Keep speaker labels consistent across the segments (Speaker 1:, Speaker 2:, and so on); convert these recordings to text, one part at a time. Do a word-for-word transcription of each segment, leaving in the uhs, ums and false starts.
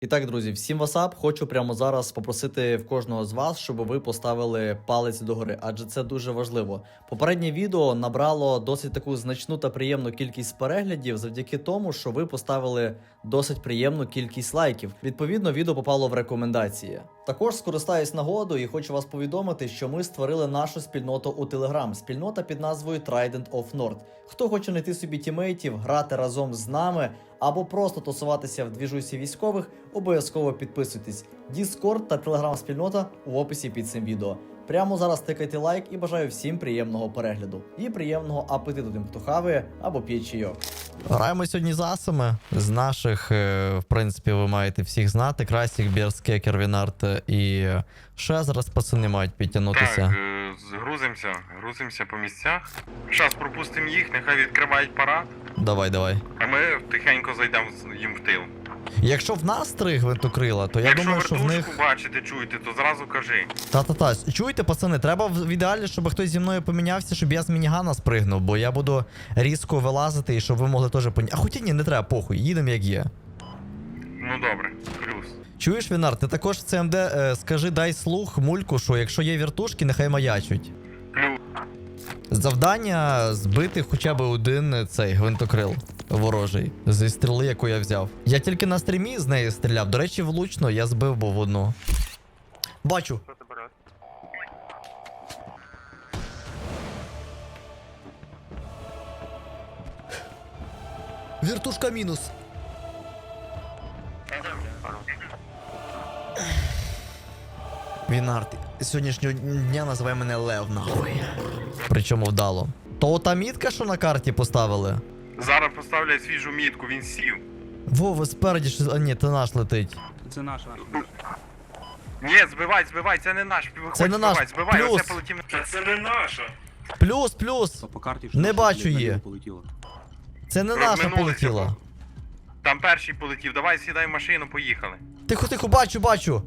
Speaker 1: І так, друзі, всім васап. Хочу прямо зараз попросити в кожного з вас, щоб ви поставили палець догори, адже це дуже важливо. Попереднє відео набрало досить таку значну та приємну кількість переглядів завдяки тому, що ви поставили досить приємну кількість лайків. Відповідно, відео попало в рекомендації. Також скористаюсь нагодою і хочу вас повідомити, що ми створили нашу спільноту у Telegram. Спільнота під назвою Trident of North. Хто хоче знайти собі тімейтів, грати разом з нами, або просто тусуватися в двіжусі військових, обов'язково підписуйтесь. Discord та Telegram спільнота в описі під цим відео. Прямо зараз тикайте лайк і бажаю всім приємного перегляду. І приємного апетиту тим, хто хаває або п'є чайок.
Speaker 2: Граємо сьогодні з асами. З наших, в принципі, ви маєте всіх знати. Красік, Берске, Кервінарт і ще зараз пацани мають підтягнутися.
Speaker 3: Так, е, грузимося, грузимося по місцях. Зараз пропустимо їх, нехай відкривають парад,
Speaker 2: Давай, давай.
Speaker 3: а ми тихенько зайдемо їм в тил.
Speaker 2: Якщо в нас три гвинтокрила, то я
Speaker 3: Якщо
Speaker 2: думаю, що в
Speaker 3: вертушку
Speaker 2: них...
Speaker 3: бачите, чуєте, то зразу кажи.
Speaker 2: Та-та-та, чуєте, пацани, треба в ідеалі, щоб хтось зі мною помінявся, щоб я з мінігана спригнув, бо я буду різко вилазити і щоб ви могли теж поняти. А хоча ні, не треба, похуй, їдемо як є.
Speaker 3: Ну добре, плюс.
Speaker 2: Чуєш, Вінар, ти також в ЦМД е, скажи, дай слух мульку, що якщо є вертушки, нехай маячуть.
Speaker 3: Плюс.
Speaker 2: Завдання збити хоча б один цей гвинтокрил ворожий зі стріли, яку я взяв. Я тільки на стрімі з неї стріляв. До речі, влучно я збив був одну. Бачу. Вертушка мінус. Вінард, з сьогоднішнього дня називай мене Лев, нахуй. Причому вдало. То та мітка, що на карті поставили?
Speaker 3: Зараз поставлять свіжу мітку, він сів.
Speaker 2: Вова, спереді що... А ні, це наш летить.
Speaker 4: Це наша.
Speaker 3: Ні, збивай, збивай, це не наш. Виходь,
Speaker 2: Це не наш.
Speaker 3: збивай, збивай,
Speaker 2: Плюс.
Speaker 3: оце полетів. Та це не наша.
Speaker 2: Плюс, плюс.
Speaker 4: По карті
Speaker 2: Не
Speaker 4: що
Speaker 2: бачу
Speaker 4: на
Speaker 2: її.
Speaker 4: ліву полетіло.
Speaker 2: Це не наша
Speaker 3: Розминулися.
Speaker 2: полетіла.
Speaker 3: Там перший полетів, давай сідай в машину, поїхали.
Speaker 2: Тихо, тихо, бачу, бачу.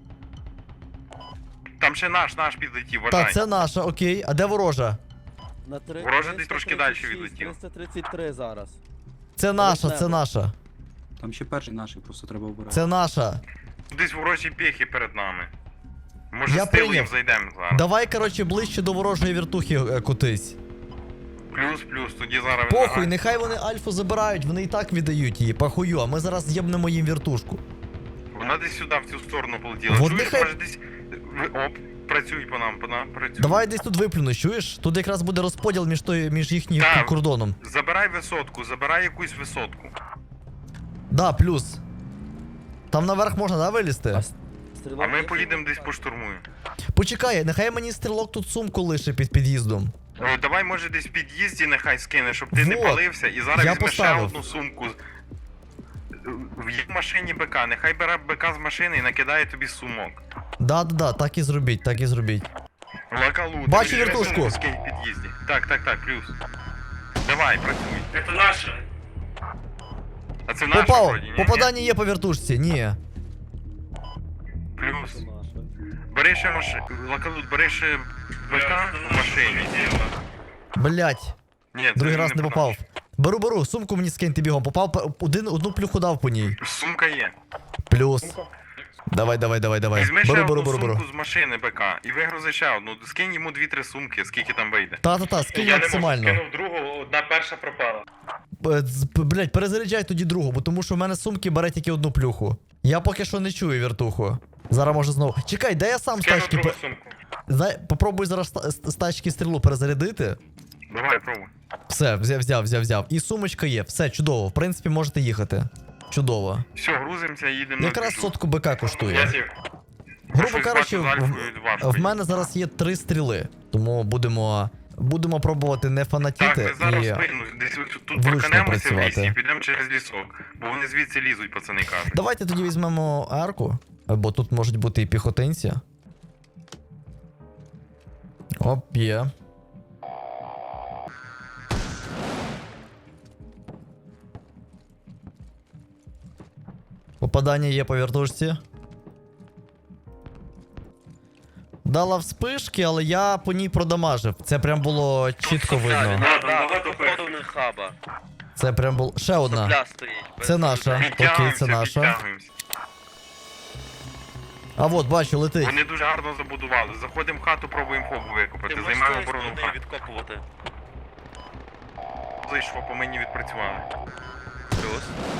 Speaker 3: Там ще наш, наш підлетів, вважай.
Speaker 2: Так, це наша, окей. А де ворожа?
Speaker 5: На три...
Speaker 3: Вороже десь трошки далі
Speaker 5: триста тридцять шість,
Speaker 3: відлетів.
Speaker 5: триста тридцять три зараз.
Speaker 2: Це наша,
Speaker 5: Перед
Speaker 2: це
Speaker 5: нами.
Speaker 2: наша.
Speaker 4: Там ще перший наший, просто треба обирати.
Speaker 2: Це наша.
Speaker 3: Десь ворожі піхи перед нами. Може
Speaker 2: Я
Speaker 3: з тилу їм
Speaker 2: прийняв.
Speaker 3: зайдемо зараз.
Speaker 2: Давай, коротше, ближче до ворожої вертухи е, кутись.
Speaker 3: Плюс, плюс, тоді зараз...
Speaker 2: Похуй, нехай вони альфу забирають, вони і так віддають її, похую, а ми зараз з'єбнемо їм вертушку.
Speaker 3: Вона десь сюди, в цю сторону полетіла.
Speaker 2: Вот
Speaker 3: Чуєш,
Speaker 2: нехай-
Speaker 3: може десь... Ви- Оп, працюй по нам, по нам, працюй.
Speaker 2: Давай десь тут виплюну, чуєш? Тут якраз буде розподіл між той, між їхнім
Speaker 3: Так.
Speaker 2: кордоном.
Speaker 3: Забирай висотку, забирай якусь висотку.
Speaker 2: Да, плюс. Там наверх можна, да, вилізти?
Speaker 5: Стрілок
Speaker 3: А ми
Speaker 5: є?
Speaker 3: поїдемо десь поштурмуємо.
Speaker 2: Почекай, нехай мені стрілок тут сумку лише під під'їздом.
Speaker 3: О, давай, може, десь в під'їзді нехай скине, щоб ти не
Speaker 2: Вот.
Speaker 3: палився, і зараз
Speaker 2: Я
Speaker 3: візьме ще
Speaker 2: поставив.
Speaker 3: одну сумку. В їх машині БК, нехай бере БК з машини і накидає тобі сумок.
Speaker 2: Да-да-да, так і зробіть, так і зробіть.
Speaker 3: Лакалу.
Speaker 2: Бачу
Speaker 3: тобі
Speaker 2: вертушку.
Speaker 3: сумку скинь в під'їзді. Так, так, так, плюс. Давай, працюй.
Speaker 6: Это наша.
Speaker 3: А це наш
Speaker 2: Попав!
Speaker 3: вроді, ні?
Speaker 2: Попадання є по вертушці, ні.
Speaker 3: Плюс.
Speaker 5: Це наше.
Speaker 3: Бери ще машину. Лакалут, бери ще БК в машині.
Speaker 2: Блять,
Speaker 3: Ні, це
Speaker 2: другий
Speaker 3: він
Speaker 2: раз не
Speaker 3: по
Speaker 2: попав.
Speaker 3: нашій.
Speaker 2: Беру, беру, сумку мені скиньте бігом. Попав, по- один, одну плюху дав по ній.
Speaker 3: Сумка є.
Speaker 2: Плюс. Давай, давай, давай, давай.
Speaker 3: Візьми ще
Speaker 2: Беру, беру,
Speaker 3: одну
Speaker 2: беру, беру.
Speaker 3: сумку з машини БК і вигрузи ще одну. Скинь йому дві-три сумки, скільки там вийде.
Speaker 2: Та-та-та, скинь
Speaker 6: Я не можу,
Speaker 2: максимально.
Speaker 6: скинув другу, одна перша пропала.
Speaker 2: Е, з- п- Блять, перезаряджай тоді другу, бо тому що в мене сумки бере тільки одну плюху. Я поки що не чую вертуху. Зараз може знову. Чекай, дай я сам з
Speaker 6: Скинув
Speaker 2: тачки.
Speaker 6: другу
Speaker 2: пе-
Speaker 6: сумку.
Speaker 2: Дай, попробуй зараз з- з з тачки стрілу перезарядити.
Speaker 3: Давай, пробуй.
Speaker 2: Все, взяв, взяв, взяв, взяв. І сумочка є. Все, чудово. В принципі, можете їхати. Чудово.
Speaker 3: Все, грузимося, їдемо на
Speaker 2: Якраз
Speaker 3: двіжу.
Speaker 2: сотку БК
Speaker 6: Я
Speaker 2: коштує.
Speaker 6: сів.
Speaker 2: Грубо
Speaker 3: Щось
Speaker 2: кажучи,
Speaker 3: бачу з
Speaker 2: в,
Speaker 3: Альфою важко
Speaker 2: в мене зараз є три стріли. Тому будемо, будемо пробувати не
Speaker 3: Так,
Speaker 2: фанатіти
Speaker 3: ми зараз
Speaker 2: і.
Speaker 3: спину, десь ось тут
Speaker 2: влучно
Speaker 3: проканемося в лісі
Speaker 2: працювати.
Speaker 3: і підемо через лісок. Бо вони звідси лізуть, пацани кажуть.
Speaker 2: Давайте тоді візьмемо арку, бо тут можуть бути і піхотинці. Оп, є. Попадання є по вертушці. Дала вспишки, але я по ній продамажив. Це прям було чітко видно.
Speaker 6: Багато перших.
Speaker 7: не хаба.
Speaker 2: Це прям було. Ще одна.
Speaker 7: Пля стоїть.
Speaker 2: Це наша. Окей, це
Speaker 3: Підтягуємося,
Speaker 2: наша.
Speaker 3: підтягуємося.
Speaker 2: А от, бачу, летить.
Speaker 3: Вони дуже гарно забудували. Заходимо в хату, пробуємо хобу викопати. Займаємо оборону в хату.
Speaker 5: відкопувати.
Speaker 3: Зайшло, по мені відпрацювали.
Speaker 5: Плюс.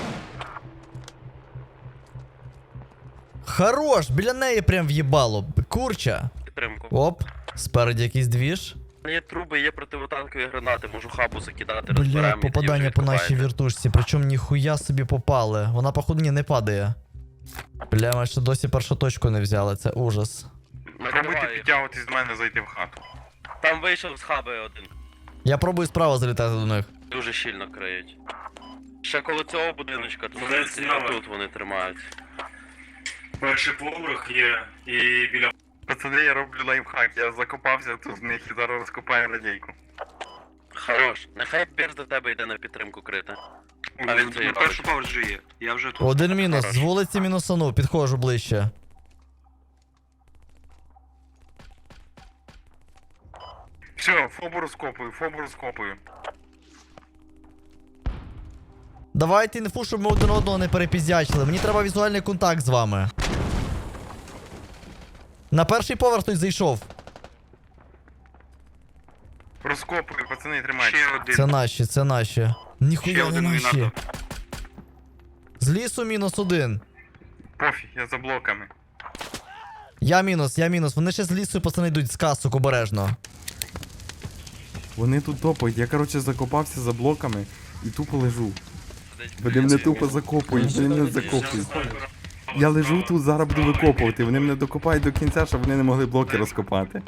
Speaker 2: Хорош, біля неї прям в'їбало. Курча.
Speaker 5: Підтримку.
Speaker 2: Оп, спереді якийсь двіж.
Speaker 5: Є труби, є противотанкові гранати, можу хабу закидати,
Speaker 2: Бля,
Speaker 5: розберемо. і
Speaker 2: попадання
Speaker 5: тоді
Speaker 2: по
Speaker 5: вже
Speaker 2: нашій
Speaker 5: відкопаєте.
Speaker 2: віртушці, причому ніхуя собі попали. Вона, походу, ні, не падає. Бля, ми ще досі першу точку не взяли, це ужас.
Speaker 3: Пробуйте
Speaker 5: Накриваю їх.
Speaker 3: підтягуватись до мене, зайти в хату.
Speaker 5: Там вийшов з хаби один.
Speaker 2: Я пробую справа залітати до них.
Speaker 5: Дуже щільно криють. Ще коло цього будиночка, тут,
Speaker 6: Вони зняли.
Speaker 5: тут вони тримають.
Speaker 6: Перший поверх є і біля.
Speaker 3: Пацани, я роблю лайфхак, я закопався тут в них і зараз розкопаю радійку.
Speaker 5: Хорош. Нехай Бірс до тебе йде на підтримку крити. А він це
Speaker 4: На першу поверх же є. Я вже тут.
Speaker 2: Один мінус,
Speaker 5: Хорош.
Speaker 2: з вулиці мінусану, підходжу ближче.
Speaker 3: Все, фобу розкопую, фобу розкопую.
Speaker 2: Давайте інфу, щоб ми один одного не перепіздячили. Мені треба візуальний контакт з вами. На перший поверх хтось зайшов.
Speaker 3: Розкопую, пацани, тримайте.
Speaker 4: Ще один.
Speaker 2: Це наші, це наші.
Speaker 4: Ще
Speaker 2: Ніхуя не
Speaker 4: один
Speaker 2: наші.
Speaker 4: винато.
Speaker 2: З лісу мінус один.
Speaker 3: Пофіг, я за блоками.
Speaker 2: Я мінус, я мінус. Вони ще з лісу, пацани, йдуть з касок обережно.
Speaker 7: Вони тут топають. Я, коротше, закопався за блоками і тупо лежу. Вони мене тупо закопують, вони мене закопують. Я лежу тут, зараз буду викопувати. Вони мене докопають до кінця, щоб вони не могли блоки розкопати.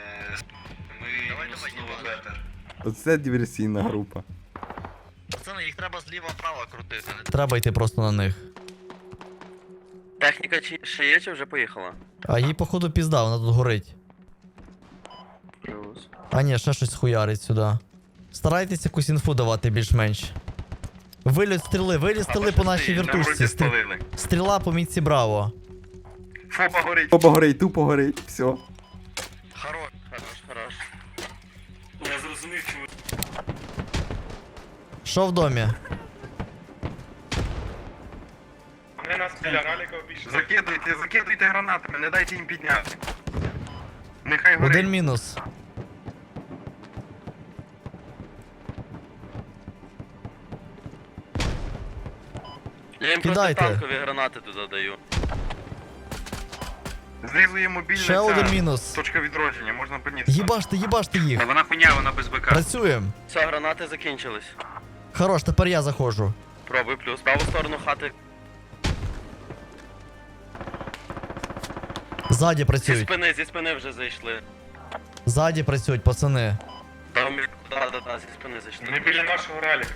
Speaker 7: Оце диверсійна група.
Speaker 2: Пацани, їх треба зліва-право крутити. Треба йти просто на них.
Speaker 5: Техніка чи ще є, чи вже поїхала?
Speaker 2: А їй, походу, пізда, вона тут горить.
Speaker 5: Плюс.
Speaker 2: А ні, ще щось хуярить сюди. Старайтесь якусь інфу давати більш-менш. Виліт стріли, виліт стріли по нашій
Speaker 3: На
Speaker 2: віртушці.
Speaker 3: вроді
Speaker 2: Стрі-
Speaker 3: спалили.
Speaker 2: Стріла по мітці Браво.
Speaker 3: Фоба горить.
Speaker 7: Тупо горить, тупо горить, все.
Speaker 5: Хорош, хорош, хорош.
Speaker 6: Я зрозумів, чому.
Speaker 2: Що в домі?
Speaker 6: Вони нас біля раліка обійшли.
Speaker 3: Закидуйте, закидуйте гранатами, не дайте їм підняти. Нехай горить.
Speaker 2: Один мінус.
Speaker 5: Я їм
Speaker 2: Кидайте.
Speaker 5: протитанкові гранати туди даю.
Speaker 3: Знизу є мобільна
Speaker 2: Ще
Speaker 3: ця
Speaker 2: один мінус.
Speaker 3: точка відродження, можна підняти.
Speaker 2: Їбаште, їбаште їх.
Speaker 4: Та вона хуйня, вона без БК.
Speaker 2: Працюємо.
Speaker 5: Все, гранати закінчились.
Speaker 2: Хорош, тепер я заходжу.
Speaker 5: Пробуй плюс. Праву сторону хати.
Speaker 2: Ззаді
Speaker 5: Зі
Speaker 2: працюють.
Speaker 5: спини, зі спини вже зайшли.
Speaker 2: Ззаді працюють, пацани.
Speaker 5: Там, да, да, да, зі спини зайшли.
Speaker 6: Вони біля нашого раліка.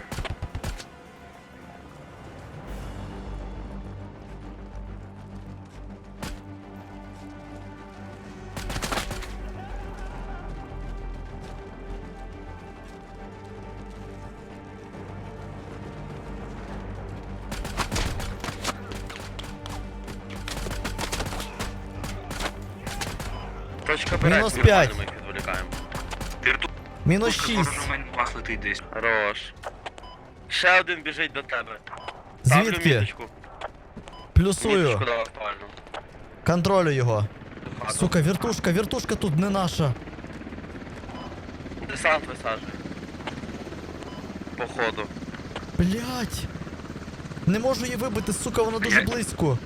Speaker 5: Точка берег,
Speaker 2: Мінус
Speaker 5: нормально
Speaker 2: п'ять.
Speaker 5: ми їх відволікаємо.
Speaker 2: Мінус шість.
Speaker 4: Вас летить десь.
Speaker 5: Хорош. Ще один біжить до тебе. Ставлю
Speaker 2: Звідки?
Speaker 5: міточку.
Speaker 2: Плюсую.
Speaker 5: Міточку дав актуально.
Speaker 2: Контролю його.
Speaker 5: Хату.
Speaker 2: Сука, віртушка, віртушка тут не наша.
Speaker 5: Десант висаджує. Походу.
Speaker 2: Блять. Не можу її вибити, сука, вона дуже
Speaker 4: Блядь.
Speaker 2: близько.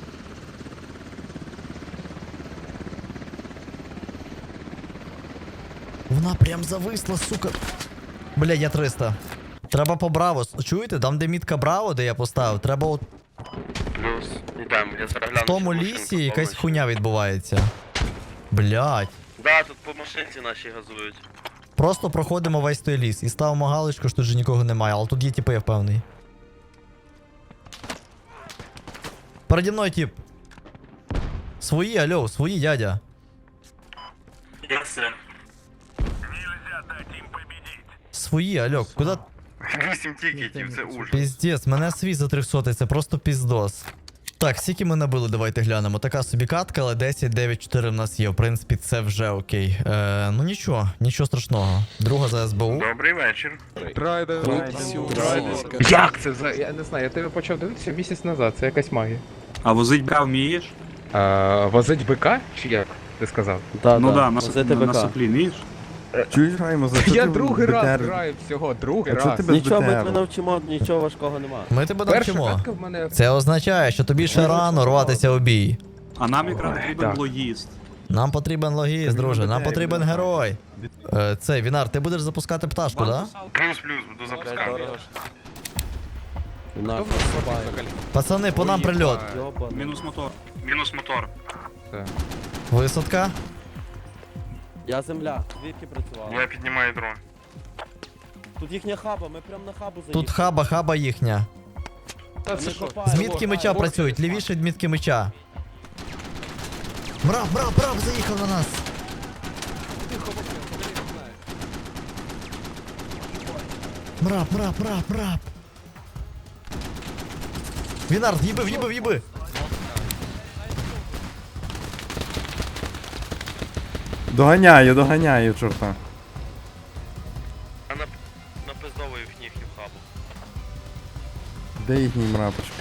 Speaker 2: Вона прям зависла, сука. Бля, я триста. Треба по Браво. Чуєте? Там, де мітка Браво, де я поставив, треба от
Speaker 5: Плюс. Йдемо, я зараз гляну.
Speaker 2: в тому
Speaker 5: чи
Speaker 2: лісі
Speaker 5: машинку
Speaker 2: якась
Speaker 5: повністю.
Speaker 2: хуйня відбувається. Блять.
Speaker 5: Да, тут по машинці наші газують.
Speaker 2: Просто проходимо весь той ліс і ставимо галочку, що тут же нікого немає, але тут є тіпи, я впевнений. Переді мною тіп. Свої, альо, свої, дядя.
Speaker 6: Я все.
Speaker 2: Свої, альо, куди?
Speaker 3: Вісім тікетів, це ужас.
Speaker 2: Піздець, мене свій за трьохсотий, це просто піздос. Так, скільки ми набили, давайте глянемо. Така собі катка, але десять дев'ять чотири в нас є. В принципі, це вже окей. Е, ну нічого, нічого страшного. Друга за ес бе у.
Speaker 3: Добрий вечір.
Speaker 8: Як це за. Я не знаю, я тебе почав дивитися місяць назад, це якась магія.
Speaker 4: А возить бра вмієш?
Speaker 8: А, возить бика? Чи як ти сказав?
Speaker 9: Да,
Speaker 10: Ну
Speaker 9: да,
Speaker 10: да, на,
Speaker 9: возити
Speaker 10: на, на
Speaker 9: БК.
Speaker 10: соплі, вмієш?
Speaker 7: Чуєш, Граймо, за що
Speaker 8: Я
Speaker 7: ти
Speaker 8: другий раз
Speaker 7: БТР?
Speaker 8: граю всього, другий
Speaker 7: А чого
Speaker 8: раз.
Speaker 7: ти без
Speaker 9: Нічого, ми тебе
Speaker 7: БТРу?
Speaker 9: навчимо, нічого важкого нема.
Speaker 2: Ми тебе
Speaker 8: Перша
Speaker 2: навчимо.
Speaker 8: катка в мене.
Speaker 2: Це означає, що тобі ще рано рватися у бій.
Speaker 10: А нам якраз потрібен
Speaker 8: так.
Speaker 10: логіст.
Speaker 2: Нам потрібен логіст, друже, нам потрібен герой. Е, Це, Вінар, ти будеш запускати пташку, да?
Speaker 3: Плюс-плюс, буду запускати.
Speaker 9: Нахуй,
Speaker 2: Пацани, по нам прильот.
Speaker 9: йоба.
Speaker 10: Мінус мотор.
Speaker 4: Мінус мотор.
Speaker 2: Висадка.
Speaker 9: Я земля, звідки працювала?
Speaker 3: Я піднімаю дрон.
Speaker 9: Тут їхня хаба, ми прям на хабу заїхали.
Speaker 2: Тут хаба, хаба їхня.
Speaker 8: Та це
Speaker 9: Вони
Speaker 8: що?
Speaker 9: копають.
Speaker 2: З мітки меча працюють, лівіше від мітки меча. Мрав, мрав, мрав, заїхав на нас. Мрав, мрав, мрав, мрав. Вінар, їби, їби, їби.
Speaker 7: Доганяю, доганяю, чорта.
Speaker 5: А на, напиздовую в їхню хабу.
Speaker 7: Де їхній мрапочка?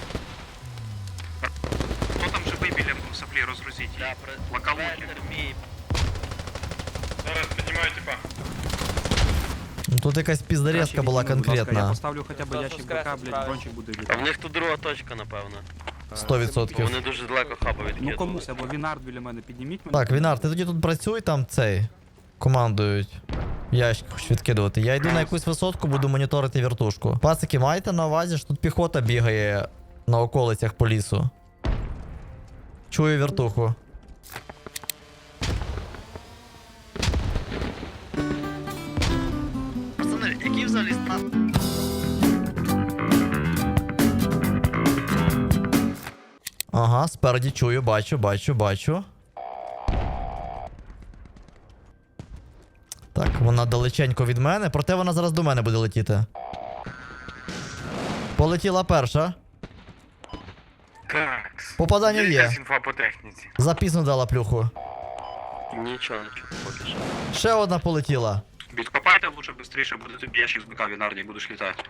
Speaker 4: Хто там живий біля соплі, розгрузіть
Speaker 5: Я
Speaker 4: її.
Speaker 5: при...
Speaker 4: Локалуки.
Speaker 5: Центр мій.
Speaker 6: Зараз піднімаю типа.
Speaker 2: Ну, тут якась піздарезка була
Speaker 10: Я
Speaker 2: конкретна.
Speaker 10: поставлю хоча б ящик БК, блядь, дрончик буде
Speaker 5: А в
Speaker 10: літати.
Speaker 5: них тут друга точка, напевно.
Speaker 2: Сто відсотків.
Speaker 5: Вони дуже далеко хаба
Speaker 10: Ну
Speaker 5: відкинули.
Speaker 10: комусь, або Вінард біля мене підніміть мене.
Speaker 2: Так, Вінар, ти тоді тут працюй, там цей. Командують. Ящик хоч відкидувати. Я йду на якусь висотку, буду моніторити вертушку. Пацики, маєте на увазі, що тут піхота бігає на околицях по лісу. Чую вертуху. Пацани, які взагалі стан? Ага, спереді чую, бачу, бачу, бачу. Так, вона далеченько від мене, проте вона зараз до мене буде летіти. Полетіла перша.
Speaker 3: Так.
Speaker 2: Попадання є.
Speaker 3: Якась інфа по техніці.
Speaker 2: Запізно дала плюху.
Speaker 5: Нічого, нічого, поки що.
Speaker 2: Ще одна полетіла.
Speaker 4: Відкопайте лучше швидше, буде тобі ящик з БК Вінарді, будеш літати.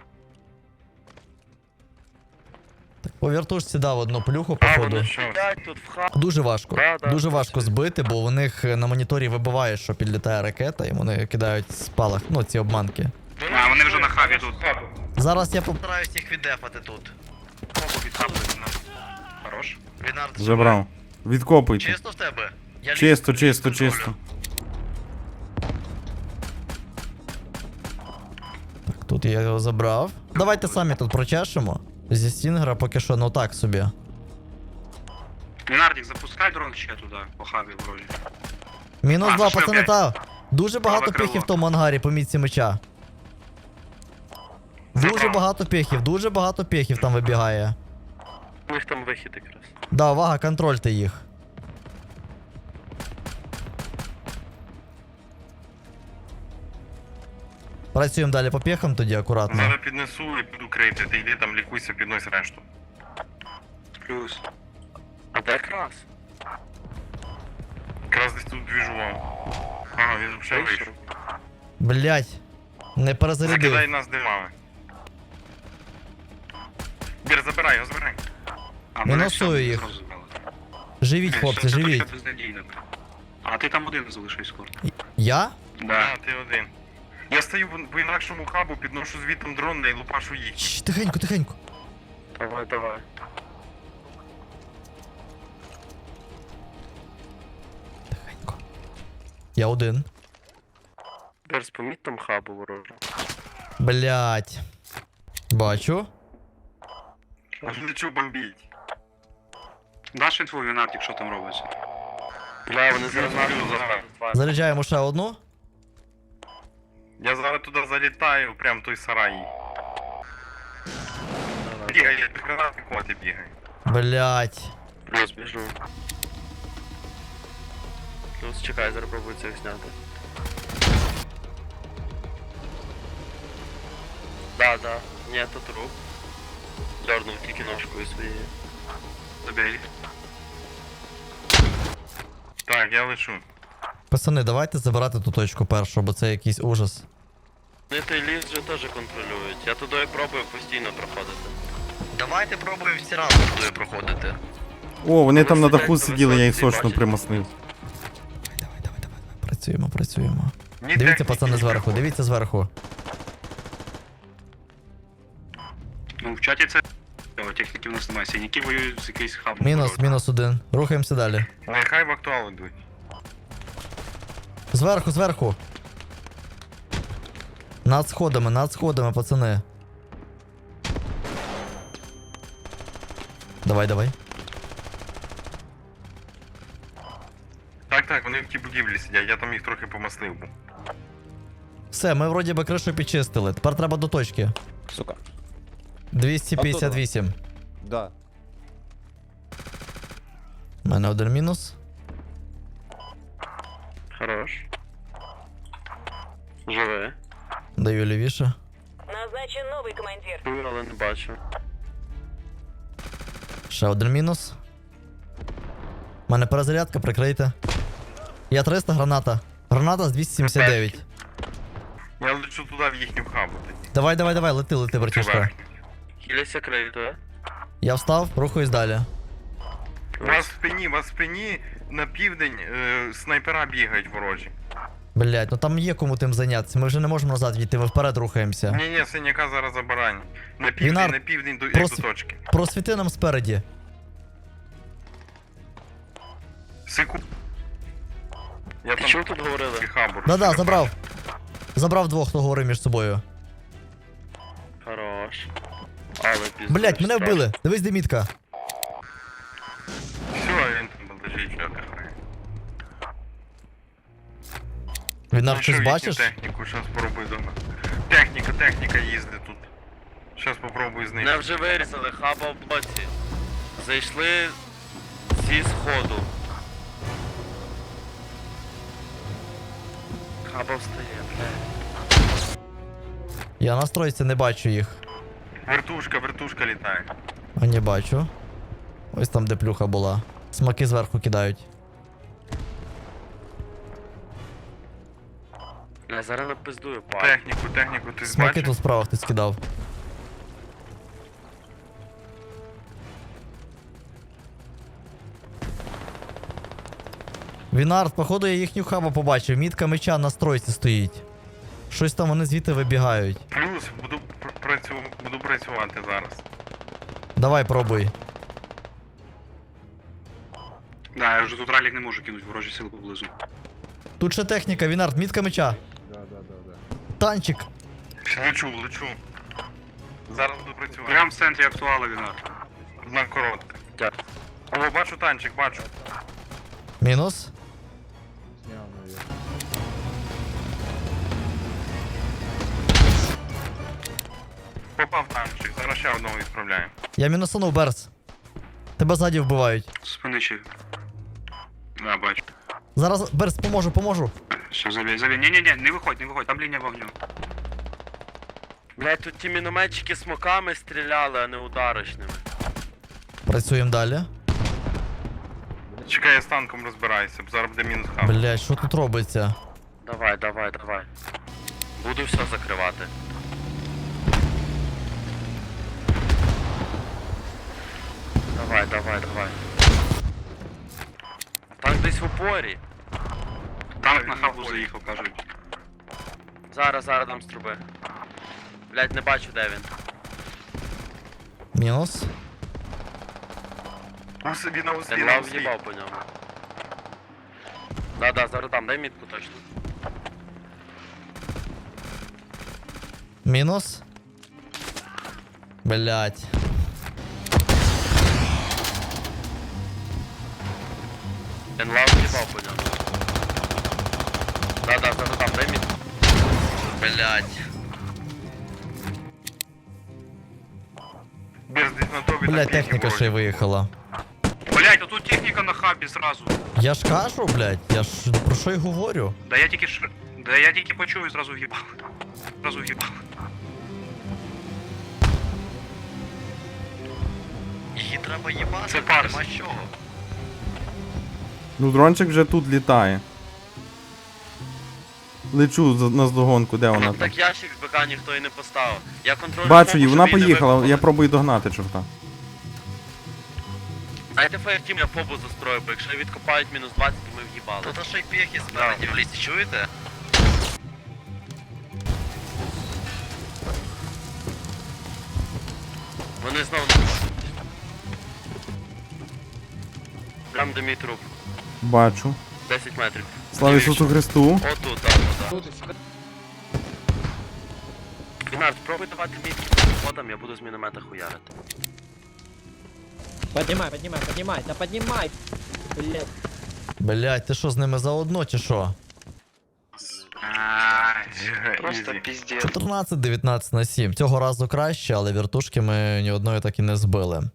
Speaker 2: Так, по вертушці дав одну плюху,
Speaker 3: А,
Speaker 2: походу.
Speaker 3: вони що?
Speaker 5: Як тут в хабу?
Speaker 2: Дуже важко.
Speaker 5: Да, да,
Speaker 2: Дуже
Speaker 5: да,
Speaker 2: важко
Speaker 5: це-
Speaker 2: збити, бо у них на моніторі вибиває, що підлітає ракета, і вони кидають спалах, ну, ці обманки.
Speaker 4: А, вони вже на хабі тут.
Speaker 6: Хабу.
Speaker 2: Зараз я постараюсь їх віддефати тут.
Speaker 4: Від хабу Хорош.
Speaker 2: Вінард,
Speaker 7: Забрав. Відкопуйте.
Speaker 2: чисто в тебе? Я
Speaker 7: Чисто, чисто, чисто. Так, тут я його забрав. Давайте самі тут прочешемо. Зі Стінгера поки що, ну так собі.
Speaker 4: Вінардік, запускай дрон ще туди, по хабі вроді.
Speaker 2: Мінус
Speaker 4: А,
Speaker 2: два,
Speaker 4: що,
Speaker 2: пацани,
Speaker 4: блядь?
Speaker 2: та. Дуже багато
Speaker 4: Праве крило.
Speaker 2: піхів в тому ангарі по мітці меча. Дуже
Speaker 4: Забрав.
Speaker 2: багато піхів, дуже багато піхів там вибігає.
Speaker 5: У них там вихід якраз.
Speaker 2: Да, увага, контрольте їх. Працюємо далі по піхам тоді акуратно.
Speaker 3: Зараз піднесу і буду крити. Ти йди там лікуйся, піднось решту.
Speaker 4: Плюс.
Speaker 5: А де якраз?
Speaker 3: Якраз десь тут двіжував. Ага, він вже вийшов.
Speaker 2: Блять, не перезарядив.
Speaker 3: Закидай нас димами. Бір, забирай його, забирай.
Speaker 4: А,
Speaker 2: Мінусую
Speaker 4: мене все,
Speaker 2: їх.
Speaker 4: зразу забрали.
Speaker 2: Живіть,
Speaker 4: Блін,
Speaker 2: хлопці,
Speaker 4: що це
Speaker 2: живіть.
Speaker 4: таке безнадійне? А ти там один залишився скоро.
Speaker 2: Я?
Speaker 4: Да.
Speaker 3: А, ти один. Я стою по інакшому хабу, підношу звітом дрон і лупашу їх.
Speaker 2: Чш, тихенько, тихенько.
Speaker 5: Давай, давай.
Speaker 2: Тихенько. Я один.
Speaker 5: Берс, поміть там хабу ворожу.
Speaker 2: Блять. Бачу.
Speaker 3: Аж лечу бомбіть.
Speaker 4: Даш інфу Вінардік, що там робиться?
Speaker 5: Бля, вони зараз нас
Speaker 3: Плюс,
Speaker 5: забрали.
Speaker 2: Заряджаємо ще одну.
Speaker 3: Я зараз туди залітаю, прям в той сарай. Бігай, як гранати коти бігай.
Speaker 2: Блять.
Speaker 5: Плюс біжу. Плюс чекай, зараз пробую це зняти. Да, да. Ні, то труп. Дернув тільки ножкою своєю.
Speaker 4: Забей.
Speaker 3: Так, я лечу.
Speaker 2: Пацани, давайте забирати ту точку першу, бо це якийсь ужас.
Speaker 5: Вони той ліс вже теж контролюють. Я туди пробую постійно проходити.
Speaker 2: Давайте пробуємо всі разом туди проходити.
Speaker 7: О, вони там на даху
Speaker 4: сидять,
Speaker 7: сиділи, я їх
Speaker 4: високі,
Speaker 7: сочно
Speaker 4: бачите?
Speaker 7: примаснив.
Speaker 2: Давай, давай, давай, давай. Працюємо, працюємо.
Speaker 3: Ні
Speaker 2: Дивіться,
Speaker 3: техніки,
Speaker 2: пацани,
Speaker 3: ні
Speaker 2: зверху,
Speaker 3: піхоти.
Speaker 2: дивіться зверху.
Speaker 4: Ну, в чаті це... О, техніки в нас немає, синяки воюють з якийсь хабом.
Speaker 2: Мінус, мінус один. Рухаємося далі.
Speaker 3: Нехай в актуал йдуть.
Speaker 2: Зверху, зверху. Над сходами, над сходами, пацани. Давай, давай.
Speaker 3: Так, так, вони в тій будівлі сидять, я там їх трохи помаслив був.
Speaker 2: Все, ми вроді би кришу підчистили. Тепер треба до точки.
Speaker 9: Сука.
Speaker 2: двісті п'ятдесят вісім.
Speaker 9: Да.
Speaker 2: У мене один мінус.
Speaker 5: Хорош. Живе.
Speaker 2: Даю лівіше.
Speaker 11: Назначен новый командир.
Speaker 5: Чую, але не бачу.
Speaker 2: Ще один мінус. У мене перезарядка, прикрийте. Я триста, граната. Граната з двісті сімдесят дев'ять.
Speaker 3: Я лечу туди в їхню хабу тоді.
Speaker 2: Давай, давай, давай, лети, лети, братішка.
Speaker 3: Верхню.
Speaker 5: Хіляся крию, то?
Speaker 2: Я встав, рухаюсь далі.
Speaker 3: У вас в спині, у вас в спині на південь е, снайпера бігають ворожі.
Speaker 2: Блять, ну там є кому тим зайнятися. Ми вже не можемо назад йти, ми вперед рухаємося.
Speaker 3: Ні, ні, синяка зараз забарань. На південь,
Speaker 2: Вінар,
Speaker 3: на південь до,
Speaker 2: прос-
Speaker 3: до точки.
Speaker 2: Просвіти нам спереді.
Speaker 3: Секунду. Я
Speaker 5: Ти
Speaker 3: там
Speaker 5: чув тут говорили?
Speaker 3: хабу.
Speaker 2: Да-да,
Speaker 3: розчерпав.
Speaker 2: забрав. Забрав двох, хто говорив між собою.
Speaker 5: Хорош. Але пізно.
Speaker 2: Блять, мене вбили. Дивись, де мітка.
Speaker 3: Все, він там лежить, що отдихає.
Speaker 2: Він нам
Speaker 3: Знайшов
Speaker 2: щось
Speaker 3: їхню
Speaker 2: бачиш?
Speaker 3: техніку, щас спробую дома. Техніка, техніка їздить тут. Щас попробую знайти.
Speaker 5: Мене вже вирізали, хаба в блоці. Зайшли зі сходу. Хаба встає, блядь.
Speaker 2: Я на стройці не бачу їх.
Speaker 3: Вертушка, вертушка літає.
Speaker 2: А не бачу. Ось там, де плюха була. Смаки зверху кидають.
Speaker 5: Я зараз напиздую, пак.
Speaker 3: Техніку, техніку ти
Speaker 2: Смаки
Speaker 3: бачиш?
Speaker 2: тут справа хтось кидав. Вінард, походу я їхню хабу побачив. Мітка меча на стройці стоїть. Щось там вони звідти вибігають.
Speaker 3: Плюс буду пр- працю... буду працювати зараз.
Speaker 2: Давай, пробуй.
Speaker 4: Да, я вже тут ралік не можу кинути, ворожі сили поблизу.
Speaker 2: Тут ще техніка, Вінард, мітка меча. Танчик.
Speaker 3: Лечу, лечу. Зараз буду працювати.
Speaker 4: Прям в центрі актуала віна.
Speaker 3: На коротке.
Speaker 5: Так.
Speaker 3: О, бачу танчик, бачу.
Speaker 2: Мінус.
Speaker 3: Попав танчик, зараз ще одного відправляємо.
Speaker 2: Я мінусанув, Берс. Тебе ззаді вбивають.
Speaker 4: Спини чи. Да, бачу.
Speaker 2: Зараз, Берс, поможу, поможу.
Speaker 4: Все, забей, забей. Ні-ні-ні, не виходь, не виходь, там лінія вогню.
Speaker 5: Блядь, тут ті мінометчики смоками стріляли, а не ударочними.
Speaker 2: Працюємо далі.
Speaker 3: Чекай, я з танком розбираюся, бо зараз буде мінус хаб.
Speaker 2: Блять, що тут робиться?
Speaker 5: Давай, давай, давай. Буду все закривати. Давай, давай, давай. Танк десь в упорі.
Speaker 4: Танк на хабу заїхав, кажуть.
Speaker 5: Зараз, зараз дам з труби. Блядь, не бачу, де він.
Speaker 2: Мінус.
Speaker 3: У собі на
Speaker 5: Я
Speaker 3: узлі, на
Speaker 5: два
Speaker 3: узлі.
Speaker 5: в'їбав по ньому. Да-да, зараз дам, дай мітку точно.
Speaker 2: Мінус. Блять.
Speaker 5: Він лав в'їбав по ньому. Да-да, зараз дам, дай мітку. Блядь.
Speaker 3: Без десь на тобі
Speaker 2: Блять,
Speaker 3: на піки
Speaker 2: техніка ще й
Speaker 3: ворожі.
Speaker 2: виїхала.
Speaker 4: Блять, а тут техніка на хабі зразу.
Speaker 2: Я ж кажу, блять, я ж про що й говорю.
Speaker 4: Да я тільки ш... Да я тільки почув і зразу в'їбав. Зразу в'їбав.
Speaker 5: Її треба їбати,
Speaker 4: Це парс.
Speaker 5: нема з чого.
Speaker 7: Ну, дрончик вже тут літає. Лечу за- на здогонку, де вона там?
Speaker 5: Так ящик з БК ніхто і не поставив. Я контролю.
Speaker 7: Бачу її, вона поїхала, я пробую догнати чорта.
Speaker 5: А Дайте фаєртім, я фобу застрою, бо якщо відкопають мінус двадцять, то ми в'їбали. Тут ще й піхи спереді в лісі, чуєте? Вони знову не можуть. Прям де мій труп.
Speaker 7: Бачу.
Speaker 5: десять метрів.
Speaker 7: Слава Ісусу Христу.
Speaker 5: Отут, так, так. Бінар, спробуй давати мій ходом, я буду з міномета хуярити.
Speaker 9: Поднимай, поднимай, поднимай, да поднимай! Блять.
Speaker 2: Блять, ти що з ними заодно чи що?
Speaker 3: Просто піздець.
Speaker 2: чотирнадцять дев'ятнадцять на сім. Цього разу краще, але вертушки ми ні одної так і не збили.